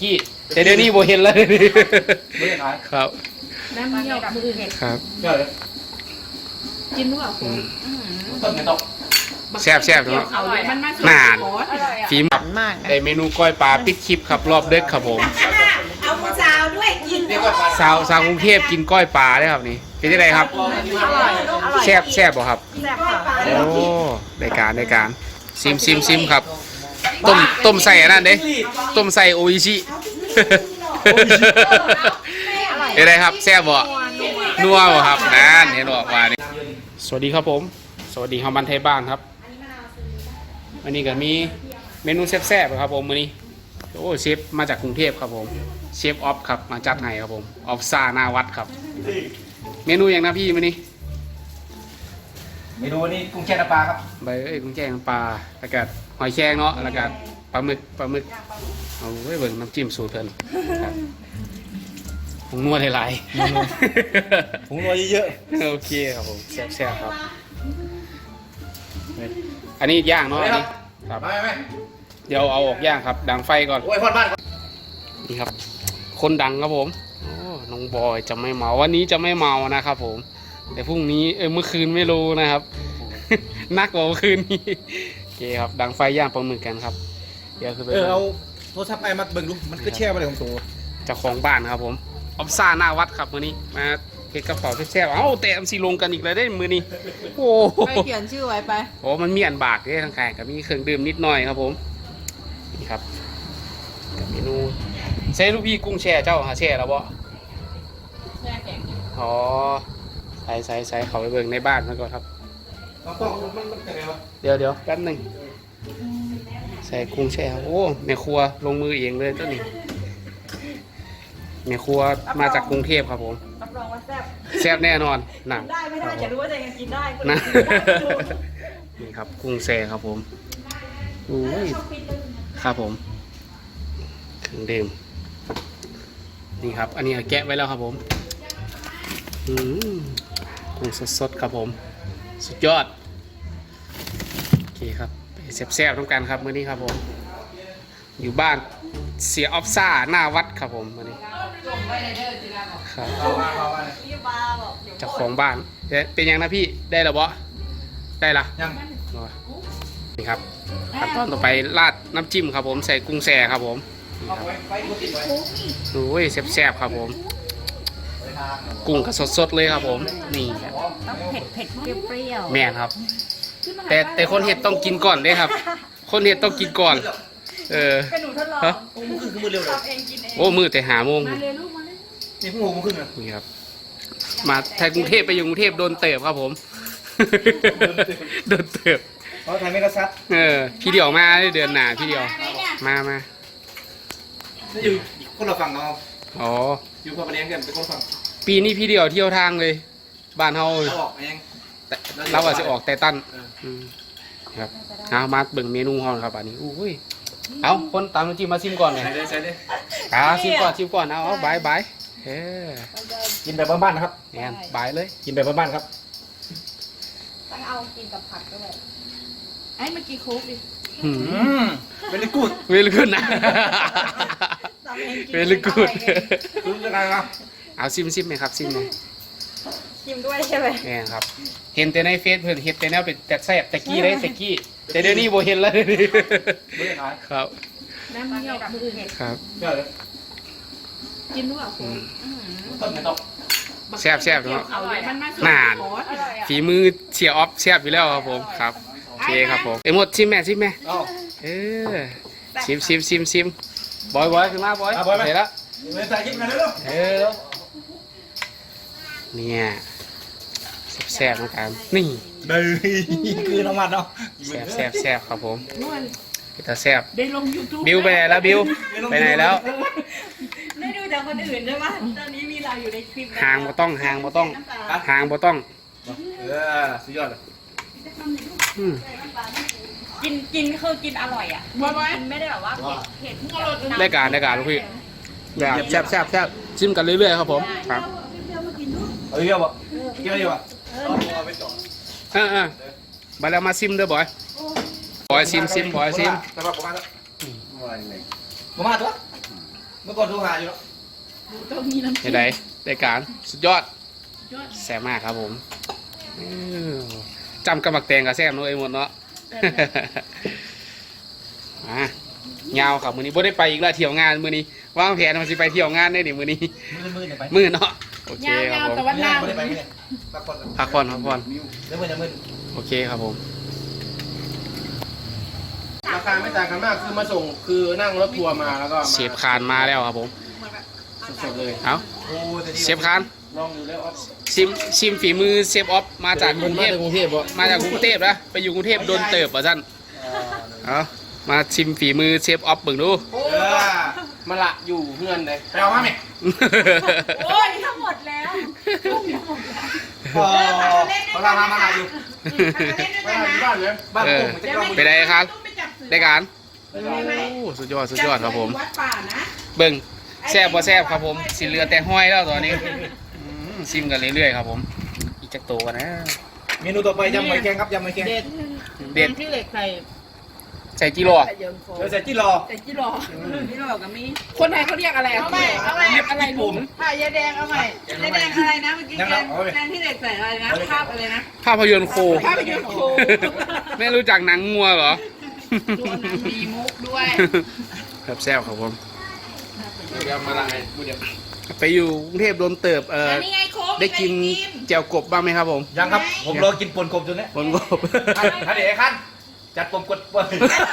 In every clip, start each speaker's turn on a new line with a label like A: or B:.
A: กี้แต่เดี๋ยวนี้โบเห็นแล้วครับ
B: น้ำเงี้ยวมือเห็ด
A: ครับ
B: กินด้วยคุณ
A: แซ่บๆเนาะ
B: อร่อยมันมาก
A: นาน
B: อร่อยอ่ะ
A: ฝีมือได้เมนูก้อยปลาปิดคลิปครับรอบเด็กครับผม
C: เอาผู้สาวด้วยกิน
A: สาวกรุงเทพกินก้อยปลาได้ครับนี่เป็นยังไงครับ
B: อร่อยอร่อย
A: แซ่บบ่ครับ
B: แซ่บค่ะ
A: โอ้ได้การซิมครับต้มใส่อันนั้นเด้ต้มใส่โออิชิเป็นไรครับแซ่บบ่นัวบ่ครับนั่นเห็นบ่ว่านี่สวัสดีครับผมสวัสดีชาวบ้านไทยบ้านครับวันนี้ก็มีเมนูแซ่บๆครับผมมื้อนี้โอ้เชฟมาจากกรุงเทพครับผมเชฟออฟครับมาจัดให้ครับผมออฟซ่าหน้าวัดครับเมนูอย่างนะพี่มื้อนี้
D: เมนูนี้กุ้งแช่น้ำปลาครับ
A: ใบกุ้งแกงปลาแล้วก็หอยแครงเนาะแล้วก็ปลาหมึกเอาไว้เบิ่งน้ำจิ้มสูตรเพิ่นครับผงนวดหลายๆ
D: ผงนัวเยอะ
A: โอเคครับผมแซ่บๆครับอันนี้ย่างเนาะอันนี้ครับ
D: ๆไม่
A: เดี๋ยวเอาออกย่างครับดังไฟก่อน
D: โอ้ยพ่อบ้าน
A: นี่ครับคนดังครับผมโอ้น้องบอยจะไม่เมาวันนี้จะไม่เมานะครับผมแต่พรุ่งนี้เมื่อคืนไม่รู้นะครับ นักกว่าเมื่อคืนนี้โอเคครับดังไฟย่างปลาหมึกกันครับเดี๋ยวคือไป
D: เอาโทรศัพท์ไอ้มาเบิ่งดูมันก็แช่ไปเลยของตัว
A: เจ้าของบ้านครับผมออฟซ่าหน้าวัดครับมื้อนี้มาเก็บกระเป๋าแซ่บๆเอ้าแต่MCลงกันอีกแล้วได้มื้อนี้โอ้
B: ไปเขียนชื่อไว้ไป
A: โหมันมีอันบากด้วยทางกายกับมีเครื่องดื่มนิดหน่อยครับผมนี่ครับกับเมนูใช้ลูกพี่กุ้งแช่เจ้าหาแช่แล้วบ่
B: แช่แข็ง
A: อ๋อใส่เขาไปเบิ่งในบ้านมันก่อนครับ
D: มันยังไงวะ
A: เดี๋ยวแป๊บหนึงใส่กุ้งแช่โอ้แม่ครัวลงมือเองเลยตัวนี้แม่ครัวมาจากกรุงเทพครับผม
B: รับรองว่าแซ่บ
A: แซ่บแน่นอนนะ
B: ได้ไม่ได้อย่ารู้ว่าจะยังกินได้
A: นะ นี่ครับกุ้งแช่ครับผมอุ้ยครับผมเครื่องดื่มนี่ครับอันนี้แกะไว้แล้วครับผมกุ้งสดๆครับผมสุดยอดโอเคครับไปแซ่บๆต้องกันครับมื้อนี้ครับผมอยู่บ้านเสียออฟซ่าหน้าวัดครับผมมื้อนี้ครับ
D: เอามา
A: เจ้าของบ้านเป็นยังนะพี่ได้แล้วบ่ได้ละ
D: ยัง
A: นี่ครับขั้นตอนต่อไปราดน้ำจิ้มครับผมใส่กุ้งแช่ครับผม
D: เอาไว้กูติดไว้
A: โอ้ยแซ่บๆครับผมกุ้งก็สดๆเลยครับผมนี่ครับ
B: ต้องเผ็ดเปรี้ยว
A: แม่นครับ แต่คนเห็ดต้องกินก่อนเลยครับ คนเห็ดต้องกินก่อน
B: เป็นหนูทดลอง
A: ฮะ
D: โอ้มันขึ้นมือเร็วเลย
B: ทำเองกินเอง
A: โอ้มือแต่หาโมง
B: มาเลยลูกมาเลย
D: นี่พวกผมขึ้นเลย
A: นี่ครับมาไทยกรุงเทพไปอยู่กรุงเทพโดนเติบครับผม โดนเติบ
D: เพราะไทยไม่กระซัด
A: พี่เดียวมาเดือนหน้าพี่เดียวมา
D: นี่อยู่คนละฝั่งเนาะ
A: อ๋อ
D: อยู่คนละแนงกันเป็นคนฝั่ง
A: ปีนี้พี่เดียวเที่ยวทางเลย บ้านเฮา
D: เราออกเอง
A: แต่เราอาจจะออกแต่ตั้นครับเอามาเบิ่งเมนูเฮาครับอันนี้อุ้ยเอาคนตามน้ำจิ้มมาชิมก่อนเลย
D: ใส่เลย
A: ชิมก่อนเอาบาย
D: กินแบบบ้านๆนะครับ
A: แอนบายเลย
D: กินแบบบ้านๆครับ
B: ต้องเอากินกับผักด้วยไอ้เมื่อกี้โค้กดิ
D: เป็นลิกูด
A: เวลกูดนะ
B: ทำเองกิน
A: เวลกูด
D: คือยังไงครับ
A: เอาซิมไหมครับซิมไหม
B: ชิมด้วยใช่ไหม
A: แอนครับ เห็นแต่ในเฟซเพิ่นเห็นแต่แนวเป็นแต่แซ่บตะกี้เลยตะกี้แต่เดี๋ยวนี้โบเห็นแล้ว
D: ไม่ได้ขาย
A: ครับ
B: น้ำเงี้ยวมือเห็ด
A: ครับ
D: เชื่อเลย
B: กินด้วยคุณ
D: ต้นไม่ต้อง
A: แซ่บเนาะ
B: อร่อยมันมาก
A: นาน
B: อร่อยอ่ะ
A: ฝีมือเชียร์ออฟแซ่บอยู่แล้วครับผมครับโอเคครับผมหมดชิมแม่
D: เอ้า
A: ชิมบอยขึ้นมาบอยเห็นแล้ว
D: เมื่อใส่ยิ้มกันเร็ว
A: เนี่ยแซ่บๆเหมือนกันนี่
D: เด้อคือน้ำมันเนาะ
A: แซ่บครับผม
B: นวล
A: แต่แซ่บ
B: ได้ลง YouTube
A: บิวไปไหนแล้วบิวไปไหนแล้ว
B: ได้ดูจากคนอื่นใช่ไหมตอนนี้มีเราอยู่ในคลิป
A: ห่างบ่ต้อง
B: น้ำตา
A: ห่างบ่ต้อง
D: สุดยอดเลย
A: อืม
B: กินคือกินอร่อยอ่ะกินไม่ได้แบบว่าเผ็ด
A: ได้การลูกพี่แบบแซ่บชิมกันเรื่อยๆครับผมครับ
D: เอาเยอะป่ะเยอะป่ะเอาไปต่อ
A: มาแล้วมาซิมเด้อบอยซิมบอยซิม
D: สำหรับผมมาตัวเมื่อก่อนโทรหาอยู่แล้ว
B: ต้องมีน้ำ
A: เห็นไหมได้การสุดยอดแซ่บมากครับผมจำกำบักแตงกับแซ่บน้อยหมดเนาะยาวครับมื้อนี้บ่ได้ไปอีกแล้วเที่ยวงานมื้อนี้วางแผนมันสิไปเที่ยวงานได้ดิมื้อนี้
D: มือเนี่ยไป
A: มื้อเนาะโอเคครับ
B: ยาว
A: ผม
B: ๆแต่ว่าหน้า
D: ไม่ได้ไปเนี่ยพักผ่อน
A: พักผ่อนพักผ่อน
D: แล้วมือจะมือ
A: โอเคครับผม
E: ราคาไม่ต่างกันมากคือมาส่งคือนั่งรถทัวร์มาแล้วก็
A: เชฟคานมาแล้วครับผม
E: สดๆเลย
A: เอ้า
D: โอ้แต่ดี
A: เชฟคาน
E: ลองดูแล้วออฟ
A: ชิมฝีมือเชฟออฟมาจากกรุงเทพ
E: กรุงเทพบ่
A: มาจากกรุงเทพนะไปอยู่กรุงเทพโดนเติบป่ะท่านเอามาชิมฝีมือเชฟออฟเบิ่งดู
E: มาละอยู่เพื่อนเลยไปเอามาไหม
B: โอ้ยทั้งหมดแล้วกุ้งทั้งหมดแล้ว
D: เขาทำมาหาอยู่
E: ไปหาที่บ้านเลย
D: บ้านผมมันจะกล้อง
A: ไปได้ครับ
B: ต้องไปจับเสือ
A: ได้การ
E: ไปลอง
A: โอ้สุดยอดสุดยอดครับผม
B: วัดป่านะ
A: เบิ่งแซ่บบ่แซ่บครับผมสิเหลือแต่ห้อยแล้วตอนนี้ชิมกันเรื่อยๆครับผมอีกจักโตกันนะ
D: เมนูต่อไปยำหอยแครงครับยำหอยแครง
B: เด็ด
A: เด็ด
B: ที่เหล็กใส่
A: ใส่กิโล
B: ใส่เยิงโฟ
D: เดี๋ยวใส่จี้รอ
B: ใส่จิโร่จิโร่กับมีคนไทยเขาเรียกอะไรเอาใหม่เอาใหม่อะไรหนุ่มผ้ายาแดงเอาใหม่ยาแดงอะไรนะเมื่อกี้แดงที่เหล็กใส่อะไรนะภาพอะไรนะ
A: ภาพยนตร์โค
B: ภาพยนตร์โค
A: ไม่รู้จักหนังงัวเหรอ
B: ดูหนังมีมุกด้วย
A: ครับแซ่บครับผม
E: เดี๋ยวมาละไงพูดเดี๋ยว
A: ไปอยู่กรุงเทพโดนเติบ
B: นี่ไงโค้ก
A: ได้กินแจ่วกบบ้างไหมครับผม
D: ยังครับผมรอกินปนกบจนเนี้ย
A: บนกบ
D: ขั้นเดี๋ยวขั้นจัดปนกดป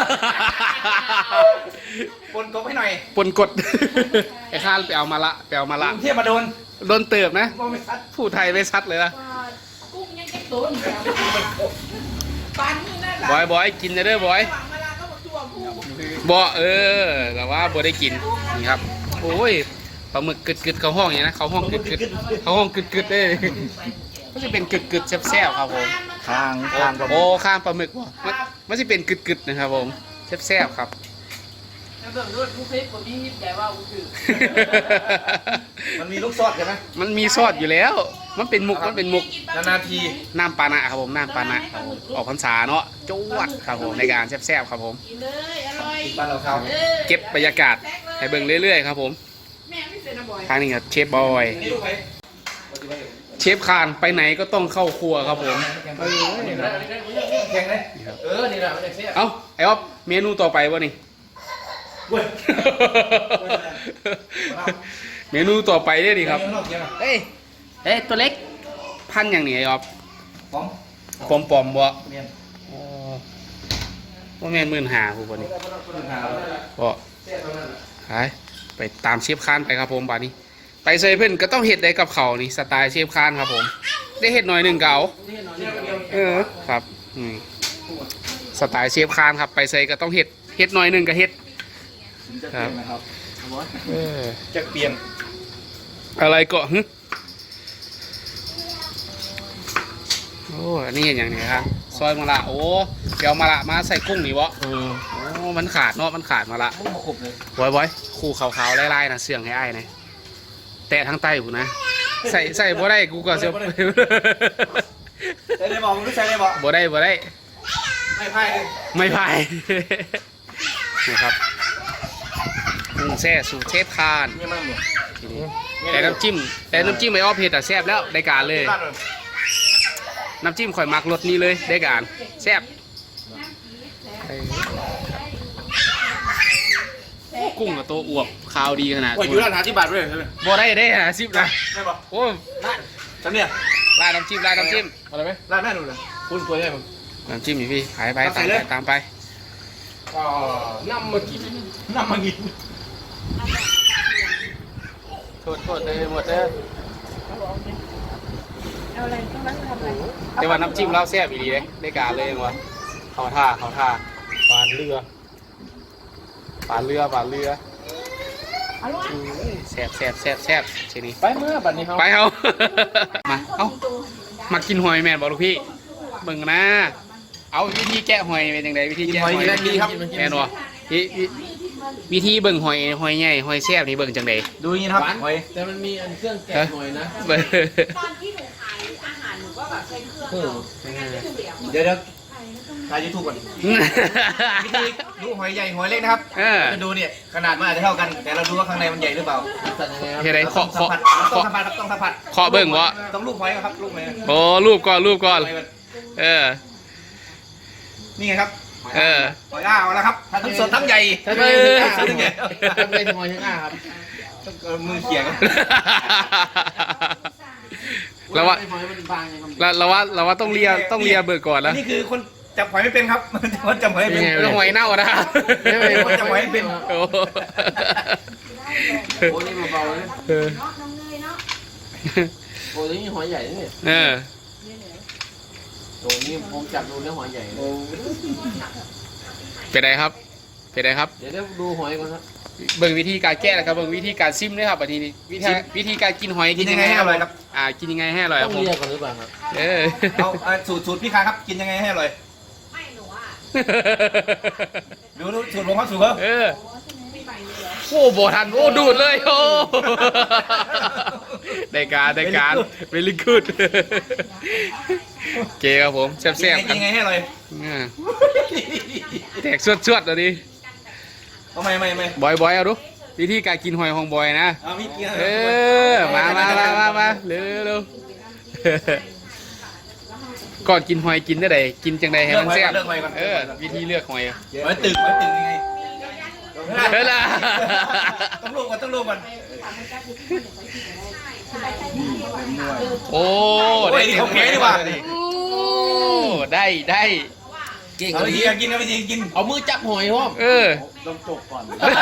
D: นกบให้หน่อย
A: ปนกด ไอ้ข้านไปเอามาละไปเอามาละ
D: กรุงเทพมาโดน
A: โดนเติบนะ
D: มองไม่ชัด
A: ผู้ไทยไม่ชัดเลยนะ
B: กุ้งยังจะตุนปานนี่นั่นแหละ
A: บอยกินเด้อบอย
B: หวังเวลาก็บอกตัวผู้
A: บ่แต่ว่าบ่ได้กินนี่ครับโอ้ยปลาหมึกกึดเขาห้องอย่างนี้นะเขาห้องกึดเขาห้องกึดเลยก็จะเป็นกึดแซ่บๆครับผม
D: ทาง
A: โอ้ข้างปลาหมึกว่ะมันจะเป็นกึดนะครับผมแซ่บๆครับ
B: แล้วเบิ่งด้วยผู้คลิปผมนี่ใจว่าอู้ถือ
D: มันมีลูกซอสใช่ไหม
A: มันมีซอสอยู่แล้ว มันเป็นมุก
D: นานๆที
A: น้ำปานะครับผมน้ำปานะออกพรรษาเนาะจวดครับผมในการแซ่บๆครับผม
B: กินเลยอร่อย
D: บ้านเราเขา
A: เก็บบรรยากาศให้เบิ่งเรื่อยๆครับผม
B: แม่ไม่เซ็นนะบอย
A: ทางนี้ครับเชฟบอย
D: นี่ลูกใคร
A: เชฟคานไปไหนก็ต้องเข้าครัวครับผม
D: แข่งเลย
E: นี่แหละมันจะเสีย
A: เอ้าไอ้อ๊อฟเมนูต่อไปวะนี่
D: เว้ย
A: เมนูต่อไปได้ดิครับ
D: เกี่ยว
A: เอ้ยตัวเล็กพันอย่างนี้ไอ้อ๊อฟ
D: ของ
A: ปอมบ่
D: เมียน
A: อ๋อว่าแม่น15,000ผู้บ่นี่บ่ไปตามเชฟคานไปครับผมบาดนี้ ไปเซเพิ่นก็ต้องเฮ็ดได้กับเขาวนี่สไตล์เชฟคานครับผม ได้เฮ็ดหน่อยหนึงเก่าครับสไตล์เชฟคานครับไปเซก็ต้องเฮ็ดหน่อยหนึงก็เฮ็ด
D: ครับจะเปลี่ยน
A: อะไรก็หึโอ้อันนี้อย่างนี้ครับซอยมะละโอ้เดี๋ยวมะละมาใส่กุ้งนี่วะโอ้มันขาดเนาะมันขาดมะละ
D: มุ้งมาขบเลย
A: บอยคู่ขาวๆไล่ๆนะเสื่องให้อ้ายนะแตะทั้งใต้กูนะใส่บ่ได้กูก็เสีย
D: ใส่ได้บอกมึงรู้ใส่ได้บอก
A: บ่ได้
D: ไม่พ่ายเลย
A: ไม่พาย นะครับกุ้งแซ่สูตรเชฟคาน
D: นี่มันเหมือน
A: ทีนี้แต่น้ำจิ้มไม่อ้อเผ็ดแต่แซ่บแล้วได้การเลย น้ำจิ้มข่อยมักรสนี้เลยได้การแซ่บกุ้งกับตัวอวบขาวดีขนาด
D: ว่าอยู่ร้านหาที่บาทด้วยใช่ไหม
A: บ่ได้นะซิบนะ
D: ไม่บอก
A: โอ้
D: จำเนี่ย
A: ลาดน้ำจิ้ม
E: อะไรไหม
D: ร้านแม่หนูเลย
E: คุณตัวใหญ่ผม
A: น้ำจิ้มอยู่พี่ขายไป
D: ใส่เลย
A: ตามไป
E: อ๋อน้ำมากิน
D: น้ำมันกิน
A: โทษเลยหมดเลย
B: เอาอะไรต้องรักทำอะไร
A: แต่ว่าน้ำจิ้มเราแซ่บอีดีเลยได้การเลยยังวะเขาท่าปานเรือแซ่บทีนี้
E: ไปเมื่อบัดนี้เขา
A: ไปเอา มากินหอยแม่นบอกลูกพี่เบิ่งนะเอาวิธีแกะหอยเป็นยังไงวิธีแกะหอย
D: ดีครับ
A: แม่นวะวิธีเบิ่งหอยใหญ่หอยแซ่บนี่เบิ่งจังได
D: ดูอย่างนี้ครับหอย
E: แต่มันมีอันเครื่องแกะหน่อยนะ
A: เบิ่ง
B: ตอนที่หนูขายอาหารหนูก็แบบใช้เครื่อง
E: เออ
B: ไม่งั้นไม่ถูกเหลี่ยม
D: เดี๋ยวถ่ายยูทูบก่อนวิธีดูหอยใหญ่หอยเล็กนะครับจะดูเนี่ยขนาดมันอาจจะเท่ากันแต่เราดูว่าข้างในมันใหญ่หรือเปล่า
A: เฮ้ยไร
D: ต้องสัมผัสต้องสัมผัส
A: เคาะเบิ่งวะ
D: ต้องลูบหอยครับลูบหอย
A: โอ้รูปก่อน
D: นี่ไงครับ
A: เออ
D: หอยอ้าวแล้วครับทั้งสดทั้งใหญ่ทั้งใหญ่
E: ทำไมถึงหอยทั้งอ้าครับ
D: มือเขี่ยครับ
A: แล้วว่า
E: หอยมันบางยัง
A: เราว่าต้องเลียเบิกก่อนแล้ว
D: นี่คือคนจับหอยไม่เป็นครับคนจับหอยไม่เป็น
A: ต้องหอยเน่านะ
D: คนจับหอยไม่เป็น
A: โอ้
E: โอ้นี่เบาๆเลย
A: เออ
E: โอ้นี่หอยใหญ่เนี่ย
A: เออ
E: โอ้นี่ผมจับดูแล้วหอยใหญ่
A: เป็นไรครับ เ
E: ดี๋ยวดูหอยก่อนครับ
A: เบิ่งวิธีการแก้แล้วครับเบิ่งวิธีการซิมด้วยครับทีนี้วิธีการกินหอย
D: กินยังไงให้อร่อยครับ
A: กินยังไงให้อร่อยค
E: ต้
A: รั
E: อบ ง
A: ผม
E: เรียกก่อนหรือเปล่าครับ
D: เอาสูตรพี่คาครับกินยังไงให้อร่อย
C: ไม่หนูอ่ะ
D: ดูสูตรผมครับสูตรเขา
A: เออโอ้โบทันโอ้ดูดเลยโอ้ได้การเวลิกูดเกครับผมแซ่บๆ
D: กินยังไงให้อร่อย
A: แตกสวดๆเลยดิ
D: เอาไม่
A: บอยเอาดูวิธีการกินหอยของบอยนะ
D: เอาพี่กิน
A: เออมาเร็วก่อนกินหอยกินได้ไดกินจังใดให้มันแซ่บวิธีเลือกหอย
D: หอยตึงยังไง
A: เฮ้ยล่ะ
D: ต้องลงก่อน
A: โอ้
D: ได้ของแท้ดีกว่า
A: โอ้ได้
E: เก่ง
D: เอา
E: เล
D: วิ
E: ย
D: ธีการกินเอาวิธีกิน
E: เอามือจับหอยห้อม
A: เออ
E: ต้องจบก่อน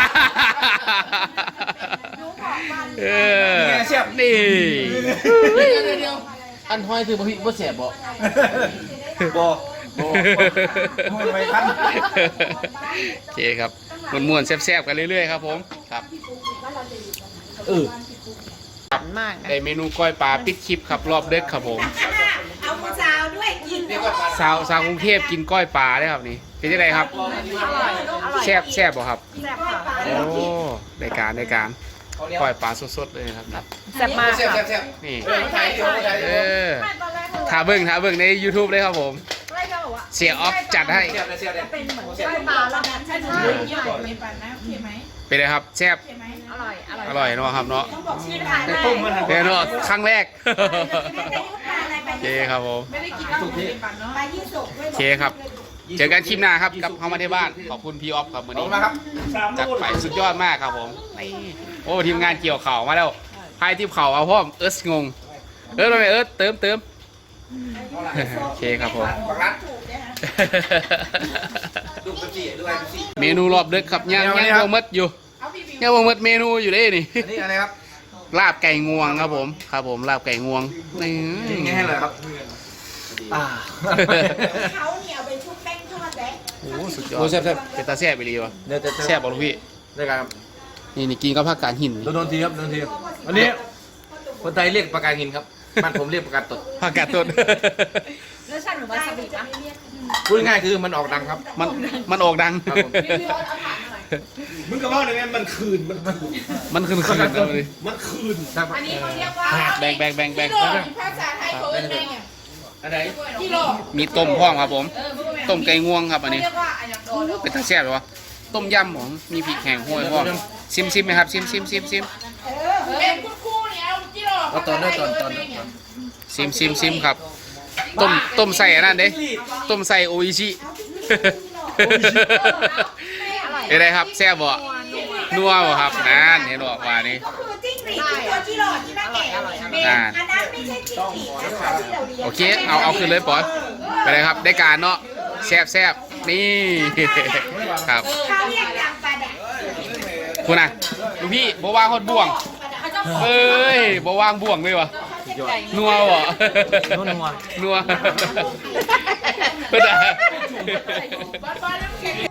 A: เออนี่
E: เดี๋ยวอันหอยคือบ่พี่บ่แสบบ่
D: บอไม่ทัน
A: โอเคครับม่วนๆแซ่บๆกันเรื่อยๆครับผมครับ
B: มาก
A: ได้เมนูก้อยปลาปิดคลิปครับรอบเด็กครับผม
C: เอาผู้สาวด้วยกิน
A: สาวกรุงเทพกินก้อยปลาได้ครับนี่เป็นยังไงครับแซ่บบ่ครับโอ้ได้การก้อยปลาสดๆเลยครับ
B: แซ่บมาก
D: แซ่บ
A: นี่
D: ถ่าย
A: เออถ้าเบิ่งใน YouTube เลยครับผมเสียออฟจัดให้
D: เสียบ
A: เป็นไงครับแซ่บอร่อยเนาะครับเนาะ
D: ต้มมัน
A: เป็นเนาะครั้งแรกโอเคครับผม
C: ไปยี่สุกด้วย
A: โอเคครับเจอกันคลิปหน้าครับกับเข้ามาที่บ้านขอบคุณพี่ออฟครับวัน
D: เอา
A: นี้
D: มาครับ
A: จัดไปสุดยอดมากครับผมนี่โอ้ทีมงานเกี่ยวเข่ามาแล้วพายทีมเข่าเอาพ่อมงงทำไมเติมโอเคครับผม
D: บักรัดดูกระจีด้วยกระจี
A: เมนูรอบดึกครับยังวงมัดอยู่ยังวงมัดเมนูอยู่ได้นี่
D: อันนี้อะไรครับ
A: ลาบไก่งวงครับผมลาบไก่งวงนี่
D: ยังไงให้เลยครับ
C: เขาเนี่ยเอาไปชุบแป้งทอดแดง
A: โอ้สุดยอดเป็นตาแซ่บไปเลยวะ
D: เดี๋ยวจะ
A: แซ่บบอกลูกพี่
D: ได้ครับ
A: นี่กินกับผักกาดหิน
D: โดนทีครับอันนี้คนไทยเรียกปากกาหินครับบ้านผมเรียกปากกาตด
A: ผักกาดต้น
B: รสชาติเหมือนวาซาบิปะ
D: พูดง่ายคือมันออกดังครับ
A: มันออกดัง
D: มึงก็ว่าเลยไงมันคืน
A: มันคืนเลย
D: มันคืนครับ
B: อันนี้เขาเรียกว่า
A: แบ่ง
B: ภาษาไทยเขาเรียกไงเนี่ย
D: อะไร
B: กิโล
A: มีต้มพ่องครับผม ต้มไก่งวงครับอันนี้
B: เรียกว่าอันยังโดน
A: เป็นตาแซ่บเลยวะต้มยำของมีพริกแห้งห้วยพ่อซิมไหมครับซิม
B: เป็นคู่ๆเนี่ยเอากิโล
D: เอาตอน
A: ซิมครับต้มใส่อันนั้นเด้ต้มใส่โออิชิเป็นไรครับแซ่บบ่นัวบ่ครับนั่นเห็นบ่ว่านี่
C: ก็คือจิ้งหรีดที่ตัวที่หลอดที่แม่แก่อันนั้นไม่ใช่จิ้งหรีดนะคะที่เราเลี้ยง
A: โอเคเอาขึ้นเลยปอนไปเลยครับได้การเนาะแซ่บนี่ครับ
C: เขาเรียกยำปลาแดก
A: คุณน่ะลูกพี่บ่ว่างฮอดบ่วงเอ้ยบ่ว่างบ่วงเลยวะนัวบ่นัวเพิ่นอ่ะ